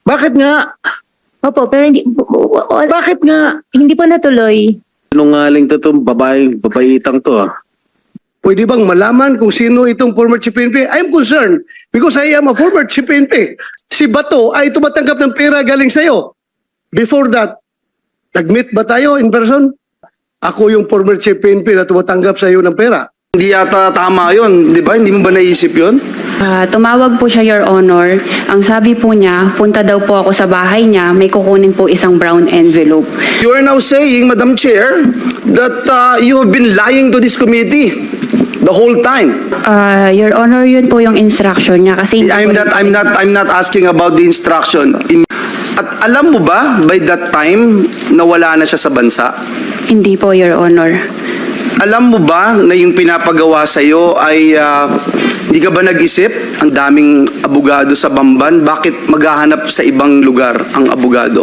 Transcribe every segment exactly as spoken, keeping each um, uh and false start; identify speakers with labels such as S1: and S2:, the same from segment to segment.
S1: Bakit nga?
S2: Opo, pero hindi, wala-
S1: Bakit nga?
S2: hindi po natuloy.
S1: Sinungaling to itong babaeng, babaitang to ah. Pwede bang malaman kung sino itong former chief P N P? I'm concerned because I am a former chief P N P. Si Bato ay tumatanggap ng pera galing sa'yo. Before that, nag-meet ba tayo in person? Ako yung former chief P N P na tumatanggap sa'yo ng pera.
S3: Hindi yata tama yun, di ba? Hindi mo ba naisip yun?
S4: Ah, tumawag po siya, Your Honor. Ang sabi po niya, punta daw po ako sa bahay niya, may kukunin po isang brown envelope.
S3: You are now saying, Madam Chair, that uh, you have been lying to this committee the whole time.
S4: Ah, Your Honor, yun po yung instruction niya kasi hindi
S3: I'm
S4: po-
S3: not, I'm not, I'm not asking about the instruction. In, at alam mo ba, by that time, nawala na siya sa bansa?
S4: Hindi po, Your Honor.
S3: Alam mo ba na yung pinapagawa sa'yo ay uh, hindi ka ba nag-isip? Ang daming abogado sa Bamban, bakit maghahanap sa ibang lugar ang abogado?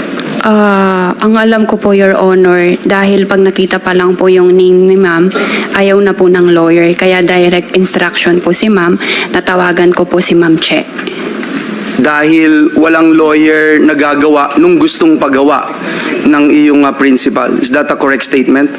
S4: Ah, ang alam ko po, Your Honor, dahil pag nakita pa lang po yung name ni ma'am, ayaw na po ng lawyer. Kaya direct instruction po si ma'am, natawagan ko po si Ma'am Che.
S3: Dahil walang lawyer na gagawa nung gustong pagawa ng iyong uh, principal. Is that a correct statement?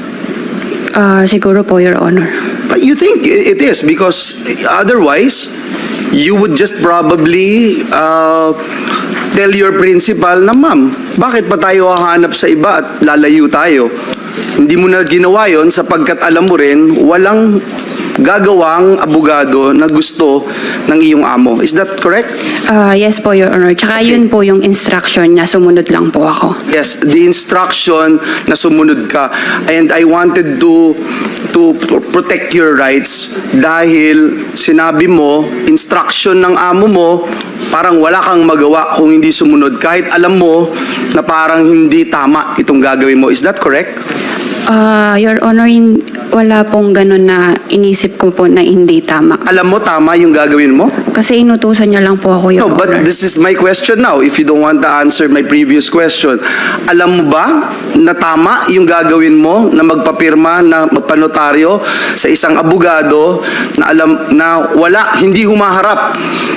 S4: Ah, siguro po, Your Honor.
S3: But you think it is because otherwise, you would just probably uh, tell your principal na, ma'am, bakit pa tayo hahanap sa iba at lalayo tayo? Hindi mo na ginawa yon sapagkat alam mo rin, walang gagawang abogado na gusto ng iyong amo. Is that correct?
S4: Ah, yes po, Your Honor. Tsaka yun po yung instruction niya, sumunod lang po ako.
S3: Yes, the instruction na sumunod ka. And I wanted to to protect your rights dahil sinabi mo, instruction ng amo mo, parang wala kang magawa kung hindi sumunod kahit alam mo na parang hindi tama itong gagawin mo. Is that correct?
S4: Ah, Your Honor, hin- wala pong ganun na inisip ko po na hindi tama.
S3: Alam mo tama yung gagawin mo?
S4: Kasi inutusan niya lang po ako, Your
S3: No, but
S4: Honor.
S3: this is my question now. If you don't want to answer my previous question, alam mo ba na tama yung gagawin mo na magpapirma, na magpanotaryo sa isang abogado na alam na wala, hindi humaharap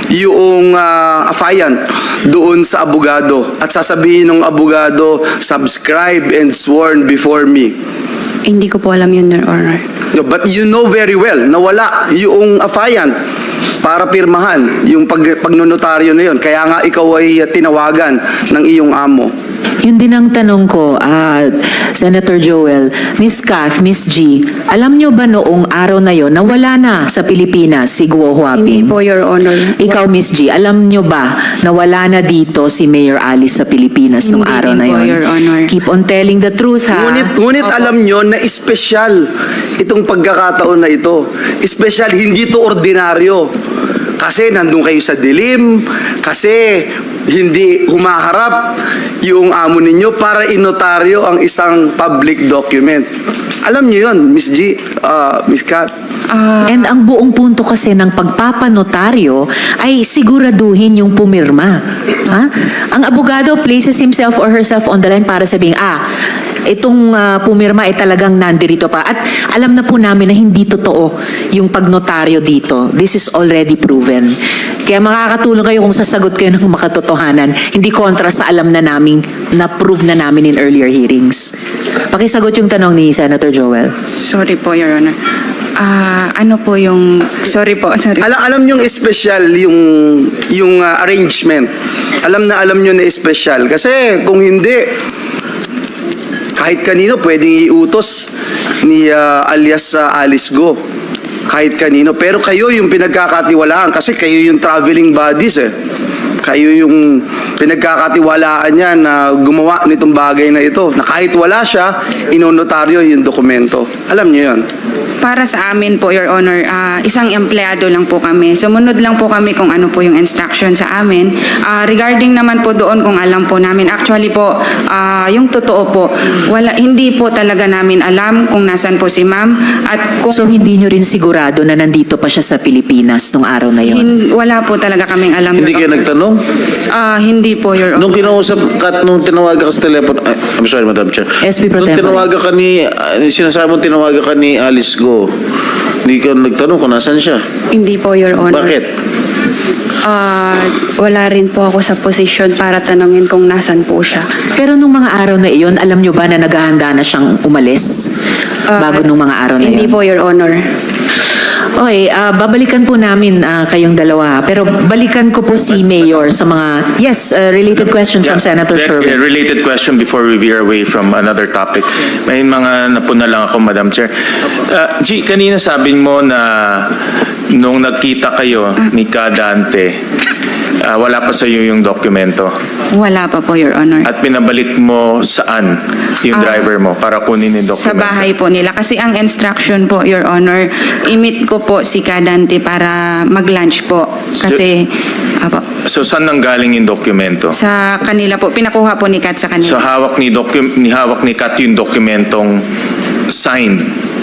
S3: yung uh, affiant doon sa abogado at sasabihin ng abogado, subscribe and sworn before me.
S4: Hindi ko po alam yun, Your Honor.
S3: No, but you know very well na wala yung affiant para pirmahan yung pag, pagnonotaryo na yun. Kaya nga ikaw ay tinawagan ng iyong amo.
S5: Yun din ang tanong ko, ah, Senator Joel, Miss Kath, Miss G, alam nyo ba noong araw na yon na wala na sa Pilipinas si Guo
S4: Hindi
S5: Huaping?
S4: po, Your Honor.
S5: Ikaw, Miss G, alam nyo ba na wala na dito si Mayor Alice sa Pilipinas nung
S4: Hindi
S5: araw
S4: din
S5: na
S4: po,
S5: yon?
S4: Your Honor.
S5: Keep on telling the truth, ha?
S3: Ngunit, ngunit alam nyo na espesyal itong pagkakataon na ito. Espesyal, hindi to ordinaryo. Kasi nandun kayo sa dilim, kasi hindi humaharap yung amo ninyo para inotaryo ang isang public document. Alam nyo yun, Miss G, uh, Miss Kat.
S5: And ang buong punto kasi ng pagpapanotaryo ay siguraduhin yung pumirma. Ha? Ang abogado places himself or herself on the line para sabihin, ah, itong ah, pumirma ay talagang nandirito pa. At alam na po namin na hindi totoo yung pagnotaryo dito. This is already proven. Kaya makakatulong kayo kung sasagot kayo ng makatotohanan. Hindi kontra sa alam na namin, na-prove na namin in earlier hearings. Pakisagot yung tanong ni Senator Joel.
S6: Sorry po, Your Honor. Ah, ano po yung... Sorry po, sorry.
S3: Alam, alam nyo yung special yung, yung uh, arrangement. Alam na alam nyo na special. Kasi kung hindi, kahit kanino pwedeng iutos ni uh, alias uh, Alice Go. Kahit kanino. Pero kayo yung pinagkakatiwalaan kasi kayo yung traveling bodies eh. Kayo yung pinagkakatiwalaan niya na gumawa nitong bagay na ito. Na kahit wala siya, inonotaryo yung dokumento. Alam niyo yun.
S6: Para sa amin po, Your Honor, ah, isang empleyado lang po kami. Sumunod lang po kami kung ano po yung instruction sa amin. Ah, regarding naman po doon kung alam po namin, actually po, ah, yung totoo po, wala, hindi po talaga namin alam kung nasan po si ma'am at kung
S5: So hindi nyo rin sigurado na nandito pa siya sa Pilipinas nung araw na yon?
S6: hin- wala po talaga kaming alam.
S1: Hindi kayo
S6: Your Honor.
S1: nagtanong?
S6: Ah, hindi po, Your Honor.
S1: Nung kinausap ka, nung tinawagan ka sa telepono, ay, I'm sorry, Madam Chair.
S5: S P Pro
S1: Nung
S5: Tempore.
S1: tinawagan ka ni, uh, sinasabi mo tinawagan ka ni Alice Go, hindi ka nagtanong kung nasan siya.
S4: Hindi po, Your Honor.
S1: Bakit?
S4: Ah, wala rin po ako sa posisyon para tanungin kung nasan po siya.
S5: Pero nung mga araw na iyon, alam nyo ba na naghahanda na siyang umalis?
S4: Ah,
S5: Bago nung mga araw na
S4: Hindi
S5: iyon?
S4: po, Your Honor.
S5: Okay, ah, babalikan po namin ah, kayong dalawa. Pero balikan ko po si Mayor sa mga... Yes, ah, related question from
S7: Yeah,
S5: Senator
S7: that-
S5: Sherwin.
S7: uh, Related question before we veer away from another topic. May mga napuna lang ako, Madam Chair. Uh, G, kanina sabi mo na nung nagkita kayo ni Kadante, uh, wala pa sa iyo yung dokumento.
S6: Wala pa po, Your Honor.
S7: At pinabalik mo saan yung
S6: Ah,
S7: driver mo para kunin yung dokumento?
S6: Sa bahay po nila. Kasi ang instruction po, Your Honor, i-meet ko po si Kadante para mag-lunch po. Kasi, apo,
S7: So saan nanggaling yung dokumento?
S6: sa kanila po, pinakuha po ni Kat sa kanila.
S7: So hawak ni, docu- ni hawak ni Kat yung dokumentong signed.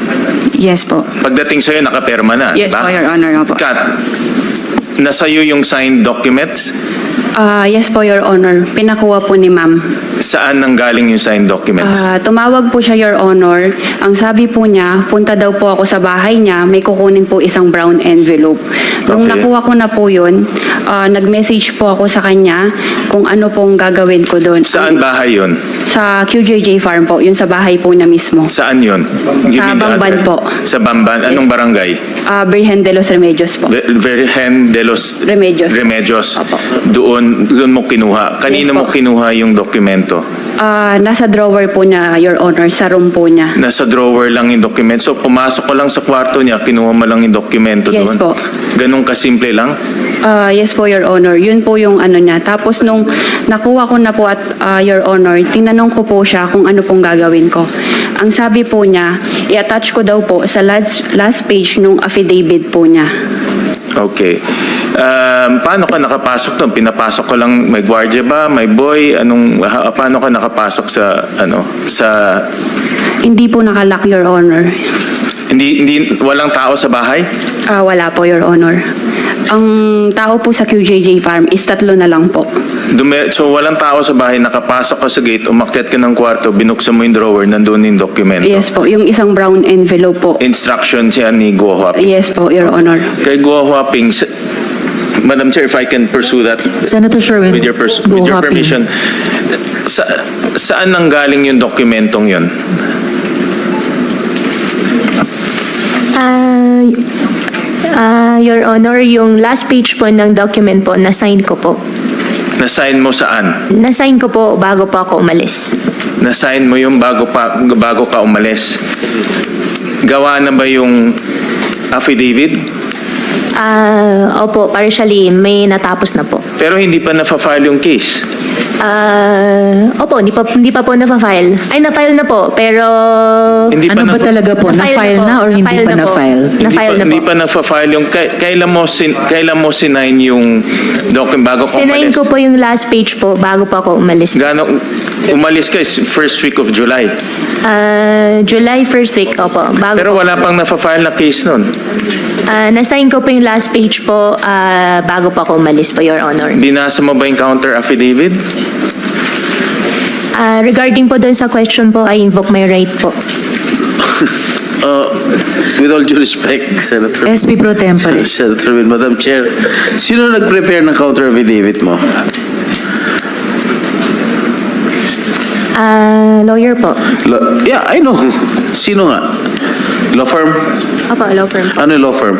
S6: Yes po.
S7: Pagdating sa'yo, nakaperma na,
S6: Yes
S7: di ba?
S6: po, Your Honor. Opo.
S7: Kat, nasa iyo yung signed documents?
S4: Ah, yes po, Your Honor. Pinakuha po ni ma'am.
S7: Saan nanggaling yung signed documents?
S4: Ah, tumawag po siya, Your Honor. Ang sabi po niya, punta daw po ako sa bahay niya, may kukunin po isang brown envelope. Nung
S7: Okay.
S4: nakuha ko na po yun, ah, nag-message po ako sa kanya kung ano pong gagawin ko doon.
S7: Saan bahay yun?
S4: Sa Q J J Farm po, yun sa bahay po niya mismo.
S7: Saan yun? Give
S4: Sa
S7: me the
S4: Bamban
S7: address.
S4: po.
S7: Sa Bamban? Anong barangay?
S4: Ah, Virgen de los Remedios po.
S7: Ve- Virgen de los
S4: Remedios.
S7: Remedios.
S4: Opo.
S7: Doon, doon mo kinuha. Kanino
S4: Yes
S7: mo
S4: po.
S7: kinuha yung dokumento?
S4: Ah, nasa drawer po niya, Your Honor, sa room po niya.
S7: Nasa drawer lang yung dokumento. So pumasok ko lang sa kwarto niya, kinuha mo lang yung dokumento
S4: Yes
S7: doon.
S4: po.
S7: Ganun kasimple lang?
S4: Ah, yes po, Your Honor. Yun po yung ano niya. Tapos nung nakuha ko na po at ah, Your Honor, tinanong ko po siya kung ano pong gagawin ko. Ang sabi po niya, i-attach ko daw po sa last, last page nung affidavit po niya.
S7: Okay. Um, paano ka nakapasok doon? Pinapasok ko lang, may gwardiya ba? May boy? Anong, ha- paano ka nakapasok sa, ano, sa,
S4: Hindi po nakalock, Your Honor.
S7: hindi, hindi, walang tao sa bahay?
S4: Ah, wala po, Your Honor. Ang tao po sa Q J J Farm is tatlo na lang po.
S7: Dume, so walang tao sa bahay, nakapasok ka sa gate, umakyat ka ng kwarto, binuksan mo yung drawer, nandun yung dokumento.
S4: Yes po, yung isang brown envelope po.
S7: Instruction siya ni Guo Huaping.
S4: Yes po, Your Honor.
S7: Kay Guo Huaping, s- Madam Chair, if I can pursue that
S5: Senator Sherwin,
S7: with your, pers-
S5: go
S7: with your
S5: Happy.
S7: permission. Sa, saan nanggaling yung dokumentong yun?
S2: Ah, ah, Your Honor, yung last page po ng document po, na-sign ko po.
S7: Na-sign mo saan?
S2: Na-sign ko po bago po ako umalis.
S7: Na-sign mo yung bago, pa, bago ka umalis. Gawa na ba yung affidavit?
S2: Ah, opo, partially, may natapos na po.
S7: Pero hindi pa na-file yung case.
S2: Ah, opo, hindi pa, hindi pa po na-file. Ay, na-file na po, pero...
S7: Hindi pa
S5: Ano
S7: na-
S5: ba talaga po? Na-file
S2: po.
S5: na or hindi
S2: Na-file
S5: pa
S2: po.
S5: na-file?
S7: Hindi
S2: Na-file
S7: pa,
S2: na po.
S7: hindi pa na-file yung, kay- kailan mo, sin, kailan mo sinign yung document bago ka
S2: Sinayin
S7: umalis?
S2: ko po yung last page po bago po ako umalis.
S7: Gano, umalis ka is first week of July.
S2: Ah, July first week, opo. Bago
S7: Pero
S2: po
S7: wala pang
S2: umalis.
S7: na-file na case nun.
S2: Ah, na-sign ko po yung last page po ah, bago po ako umalis po, Your Honor.
S7: Binasa mo ba yung counter affidavit?
S2: Ah, regarding po doon sa question po, I invoke my right po.
S1: Uh, with all due respect, Senator.
S5: S P Pro Tempore.
S1: Senator Win, Madam Chair, sino nag-prepare ng counter affidavit mo?
S2: Ah, lawyer po.
S1: Lo- yeah, I know. Sino nga? Law firm?
S2: Opo, law firm.
S1: Ano yung law firm?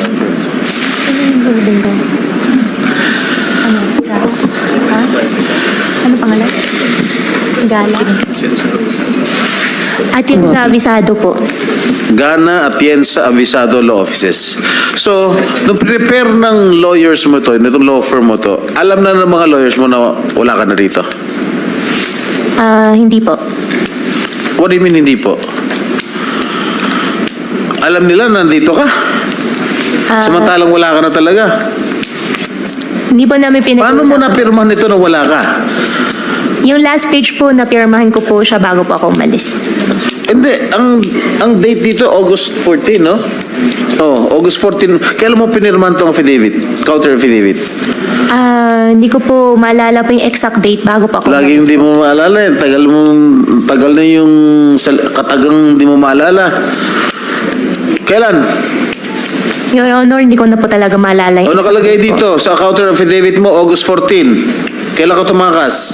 S2: Ano pangalan? Gala. At yung sa abisado po.
S1: Gana Atienza Avisado Law Offices. So, nung prepare ng lawyers mo to, nitong law firm mo to, alam na ng mga lawyers mo na wala ka na rito?
S2: Ah, hindi po.
S1: What do you mean hindi po? Alam nila na nandito ka?
S2: Ah,
S1: Samantalang wala ka na talaga.
S2: Hindi po namin pinag
S1: Paano mo napirmahan nito na wala ka?
S2: Yung last page po, napirmahan ko po siya bago po ako umalis.
S1: Hindi, ang ang date dito August fourteen, no? Oh, August fourteen. Kailan mo pinirmahan tong affidavit? Counter affidavit?
S2: Ah, hindi ko po maalala po yung exact date bago po ako
S1: Laging
S2: umalis.
S1: hindi mo maalala eh. Tagal mo, tagal na yung sal- katagang hindi mo maalala. Kailan?
S2: Your Honor, hindi ko na po talaga maalala
S8: O
S2: yung
S8: nakalagay
S2: exact date po.
S8: dito sa counter affidavit mo, August fourteen. Kailan ka tumakas?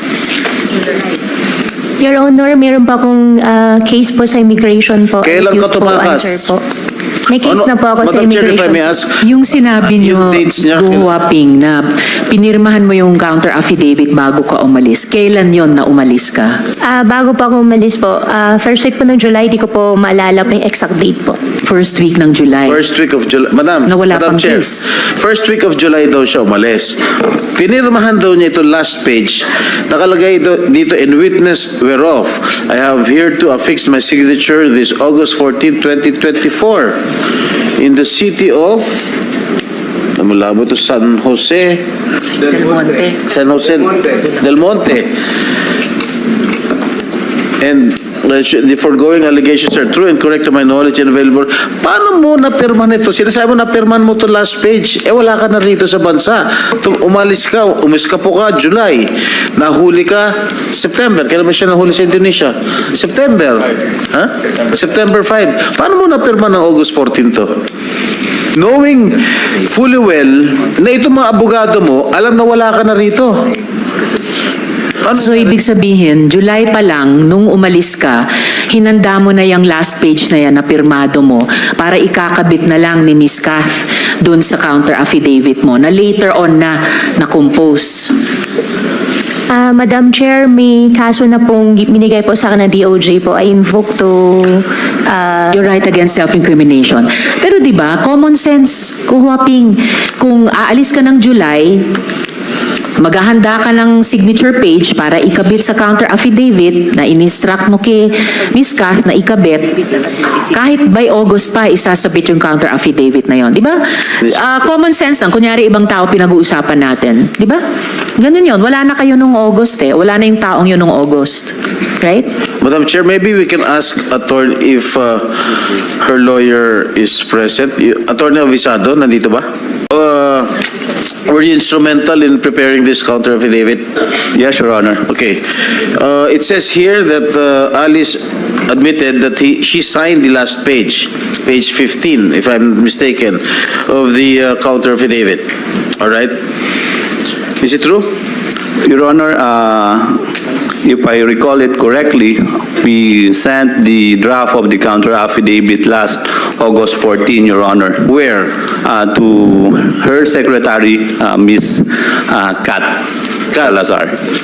S2: Your Honor, meron pa akong ah, case po sa immigration po.
S8: Kailan ka
S2: Refuse po
S8: tumakas?
S2: answer po. May case
S8: Ano-
S2: na po ako sa
S8: Madam Chair, if I
S2: immigration.
S8: may ask,
S5: Yung sinabi
S8: Yung
S5: nyo,
S8: dates niya,
S5: Guwaping, na pinirmahan mo yung counter affidavit bago ka umalis. Kailan yon na umalis ka?
S2: Ah, bago pa ako umalis po, ah, first week po ng July, di ko po maalala po yung exact date po.
S5: First week ng July.
S8: first week of July. Madam,
S5: Na wala
S8: Madam
S5: pang
S8: Chair,
S5: case.
S8: first week of July daw siya umalis. Pinirmahan daw niya ito last page. Nakalagay do- dito, in witness whereof, I have here to affix my signature this August fourteenth, twenty twenty-four in the city of, namula mo ito, San Jose,
S5: Del Monte.
S8: San Jose Del Monte. And uh, the foregoing allegations are true and correct to my knowledge and available. Paano mo napirman ito? Sinasabi mo napirman mo to last page. Eh wala ka na rito sa bansa. Tum- umalis ka, umis ka po ka, July. Nahuli ka, September. Kailan ba siya nahuli sa Indonesia? September. Ha? September five. Paano mo napirman ng August fourteen to? Knowing fully well na itong mga abogado mo, alam na wala ka na rito. Paano
S5: So, ibig sabihin, July pa lang, nung umalis ka, hinanda mo na yung last page na yan na pirmado mo para ikakabit na lang ni Miss Kath dun sa counter affidavit mo na later on na na-compose.
S2: Ah, Madam Chair, may kaso na pong binigay po sa akin ng D O J po. I invoke to ah,
S5: You're right against self-incrimination. Pero di ba, common sense, kuhuaping, kung aalis ka ng July, maghahanda ka ng signature page para ikabit sa counter affidavit na in-instruct mo kay Miss Kath na ikabit, kahit by August pa, isasabit yung counter affidavit na yon, di ba? Ah, common sense lang, kunyari ibang tao pinag-uusapan natin, di ba? Ganun yon, wala na kayo nung August eh, wala na yung taong yun nung August, right?
S8: Madam Chair, maybe we can ask attorney if uh, her lawyer is present. Y- Attorney Avisado, nandito ba? Uh, were you instrumental in preparing this counter affidavit?
S9: Yes, Your Honor.
S8: Okay. Uh, it says here that uh, Alice admitted that he, she signed the last page, page fifteen, if I'm mistaken, of the uh, counter affidavit. All right? Is it true?
S9: Your Honor, uh, if I recall it correctly, we sent the draft of the counter affidavit last August fourteenth, Your Honor,
S8: Where?
S9: uh, to her secretary, uh, Miss uh, Kat Salazar.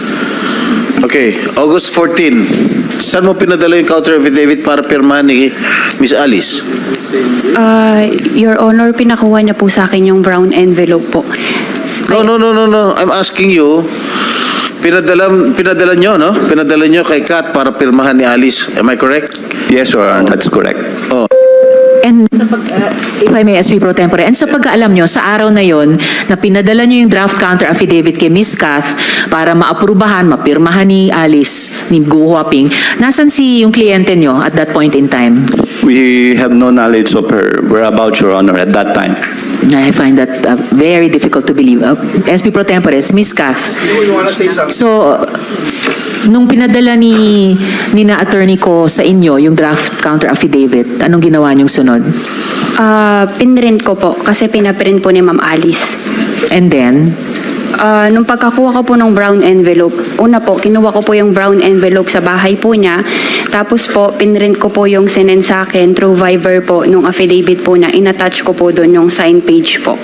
S8: Okay, August fourteenth. Saan mo pinadala yung counter affidavit para pirmahan ni Miss Alice?
S4: Ah, Your Honor, pinakuha niya po sa akin yung brown envelope po.
S8: No, no, no, no, no. I'm asking you, pinadala, pinadala nyo, no? Pinadala nyo kay Kat para pirmahan ni Alice. Am I correct?
S9: Yes, Your Honor, that's correct.
S5: And sa pag, uh, if I may, S P Pro Tempore, and sa pagkaalam nyo, sa araw na yon na pinadala nyo yung draft counter affidavit kay Miss Kath para maaprubahan, mapirmahan ni Alice, ni Gu Huaping, nasan si yung kliyente nyo at that point in time?
S9: We have no knowledge of her whereabouts, Your Honor, at that time.
S5: I find that uh, very difficult to believe. Uh, S P Pro Tempore, Miss Kath. So, nung pinadala ni, ni na attorney ko sa inyo yung draft counter affidavit, anong ginawa niyong sunod?
S4: Ah, pinrint ko po kasi pinaprint po ni Ma'am Alice.
S5: And then,
S4: Ah, nung pagkakuha ko po ng brown envelope, una po, kinuha ko po yung brown envelope sa bahay po niya. Tapos po, pinrint ko po yung sinend sa akin through Viber po, nung affidavit po niya. Inattach ko po doon yung sign page po.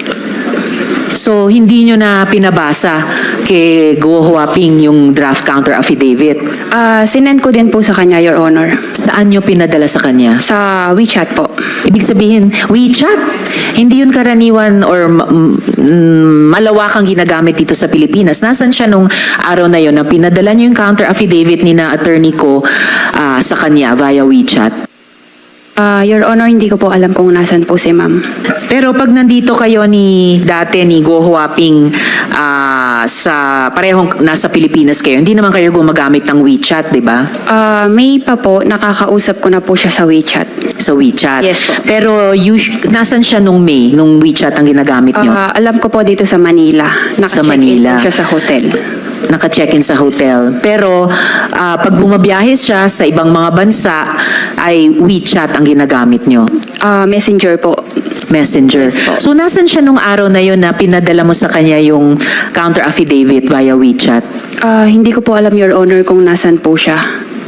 S5: so hindi nyo na pinabasa kay Go Huaping yung draft counter affidavit.
S4: Ah, sinend ko din po sa kanya, Your Honor.
S5: Saan nyo pinadala sa kanya?
S4: Sa WeChat po.
S5: Ibig sabihin, WeChat. Hindi yun karaniwan or ma- mm, malawakang ginagamit dito sa Pilipinas. Nasaan siya nung araw na yun na pinadala nyo yung counter affidavit ni na attorney ko ah, sa kanya via WeChat?
S4: Ah, Your Honor, hindi ko po alam kung nasan po si Ma'am.
S5: Pero pag nandito kayo ni dati ni Go Huaping ah, sa parehong nasa Pilipinas kayo, hindi naman kayo gumagamit ng WeChat, di ba?
S4: Ah, May pa po, nakakausap ko na po siya sa WeChat.
S5: Sa WeChat.
S4: Yes po.
S5: Pero us- nasan siya nung May, nung WeChat ang ginagamit nyo?
S4: Ah, alam ko po dito sa Manila.
S5: Sa
S4: Naka-check-in
S5: Manila.
S4: po siya sa hotel.
S5: Naka-check-in sa hotel. Pero ah, pag bumabiyahe siya sa ibang mga bansa, ay WeChat ang ginagamit nyo.
S4: Ah, messenger po.
S5: messenger.
S4: Yes po.
S5: So nasan siya nung araw na yun na pinadala mo sa kanya yung counter affidavit via WeChat?
S4: Ah, hindi ko po alam, Your Honor, kung nasan po siya.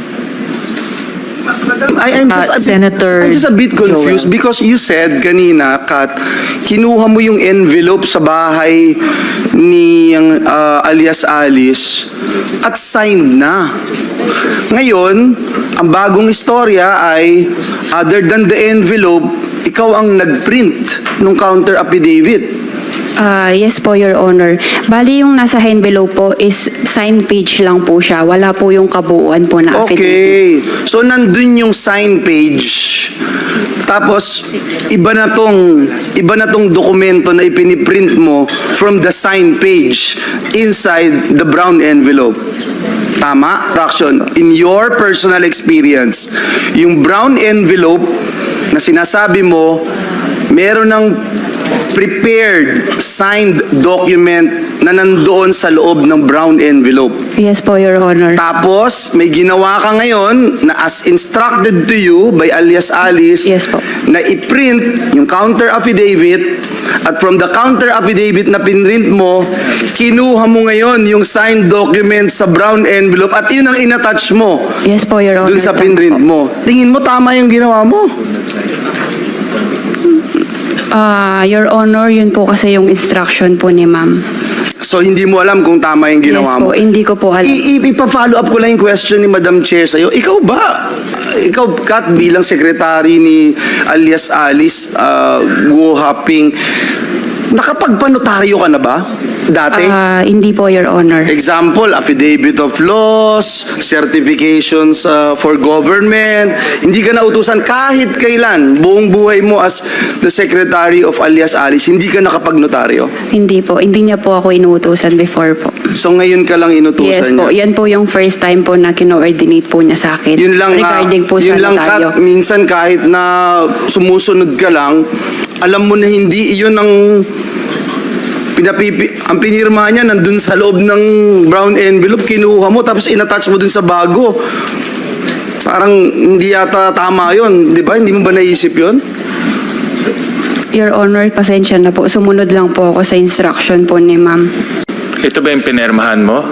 S3: I, I'm just,
S5: Uh,
S3: a bit-
S5: Senator
S3: I'm just a bit confused
S5: Joel.
S3: because you said kanina, Kat, kinuha mo yung envelope sa bahay ni ang, uh, alias Alice at signed na. Ngayon, ang bagong istorya ay, other than the envelope, ikaw ang nagprint ng counter affidavit.
S4: Ah, yes po, Your Honor. Bali, yung nasa envelope po is sign page lang po siya. Wala po yung kabuuan po na affidavit.
S3: Okay. So, nandun yung sign page. Tapos, iba na tong, iba na tong dokumento na ipiniprint mo from the sign page inside the brown envelope. Tama, Raction? In your personal experience, yung brown envelope na sinasabi mo, meron ng prepared, signed document na nandoon sa loob ng brown envelope.
S4: Yes po, Your Honor.
S3: Tapos, may ginawa ka ngayon na as instructed to you by alias Alice
S4: Yes po.
S3: na i-print yung counter affidavit at from the counter affidavit na pinrint mo, kinuha mo ngayon yung signed document sa brown envelope at yun ang inattach mo
S4: Yes po, Your Honor.
S3: dun sa
S4: Tama
S3: pinrint
S4: po.
S3: mo. Tingin mo tama yung ginawa mo?
S4: Ah, Your Honor, yun po kasi yung instruction po ni ma'am.
S3: So, hindi mo alam kung tama yung
S4: Yes
S3: ginawa mo?
S4: po, hindi ko po alam.
S3: I- i- ipa-follow up ko lang yung question ni Madam Chair sa'yo. Ikaw ba, ikaw, Kat, bilang secretary ni alias Alice uh, Guo Haping, nakapagpanotaryo ka na ba? Dati?
S4: Ah, hindi po, Your Honor.
S3: Example, affidavit of laws, certifications uh, for government. Hindi ka nautusan kahit kailan, buong buhay mo as the secretary of alias Alice, hindi ka nakapagnotaryo.
S4: Hindi po. Hindi niya po ako inuutusan before po.
S3: So ngayon ka lang
S4: Yes
S3: inutusan
S4: po.
S3: niya.
S4: Yan po yung first time po na kino-ordinate po niya sa akin.
S3: Yun lang, ah,
S4: regarding po
S3: yun
S4: sa
S3: lang,
S4: notaryo.
S3: Kat, minsan kahit na sumusunod ka lang, alam mo na hindi iyon ang pinapipi, ang pinirma niya nandun sa loob ng brown envelope, kinuha mo, tapos inattach mo dun sa bago. Parang hindi yata tama yon, di ba? Hindi mo ba naisip yon?
S4: Your Honor, pasensya na po. Sumunod lang po ako sa instruction po ni ma'am.
S7: Ito ba yung pinermahan mo?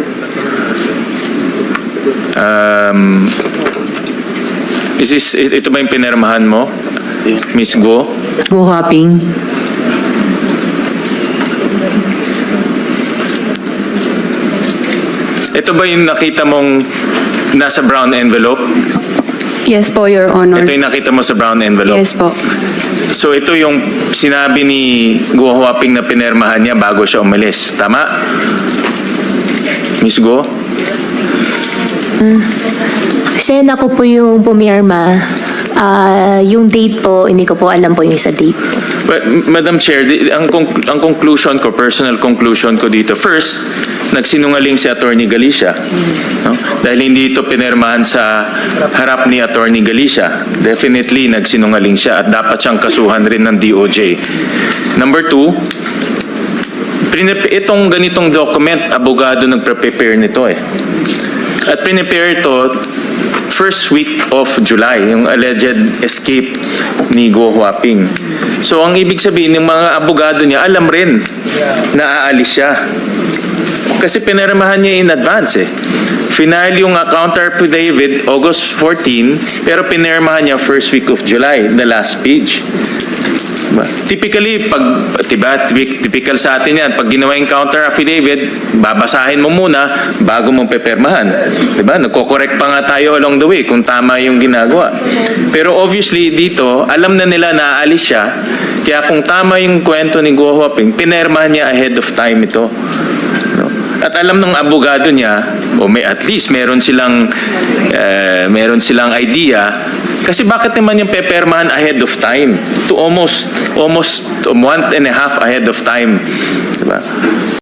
S7: Um, is this, ito ba yung pinermahan mo? Miss Go?
S5: Go hopping.
S7: Ito ba yung nakita mong nasa brown envelope?
S4: Yes po, Your Honor.
S7: Ito yung nakita mo sa brown envelope?
S4: Yes po.
S7: So ito yung sinabi ni Guo Huaping na pinermahan niya bago siya umalis. Tama? Miss Go?
S2: Sen, ako po yung pumirma. Ah, yung date po, hindi ko po alam po yung sa date.
S7: But, Madam Chair, di- ang, conc- ang conclusion ko, personal conclusion ko dito, first, nagsinungaling si Attorney Galicia. No? Dahil hindi ito pinirmahan sa harap ni Attorney Galicia. Definitely, nagsinungaling siya at dapat siyang kasuhan rin ng D O J. Number two, prinep- itong ganitong document, abogado nagpre-prepare nito eh. At prepare ito first week of July, yung alleged escape ni Guo Huaping. So ang ibig sabihin, ng mga abogado niya, alam rin na aalis siya. Kasi pinirmahan niya in advance eh. Final yung uh, counter affidavit August fourteenth, pero pinirmahan niya first week of July, the last page. Diba? Typically, pag, diba, typical sa atin yan, pag ginawa yung counter affidavit, babasahin mo muna bago mo pepermahan. Diba? Nagko-correct pa nga tayo along the way kung tama yung ginagawa. Pero obviously dito, alam na nila na aalis siya, kaya kung tama yung kwento ni Guo Huaping, pinermahan niya ahead of time ito. No? At alam ng abogado niya, o may at least meron silang uh, meron silang idea. Kasi bakit naman yung pepermahan ahead of time? To almost, almost one and a half ahead of time. Diba?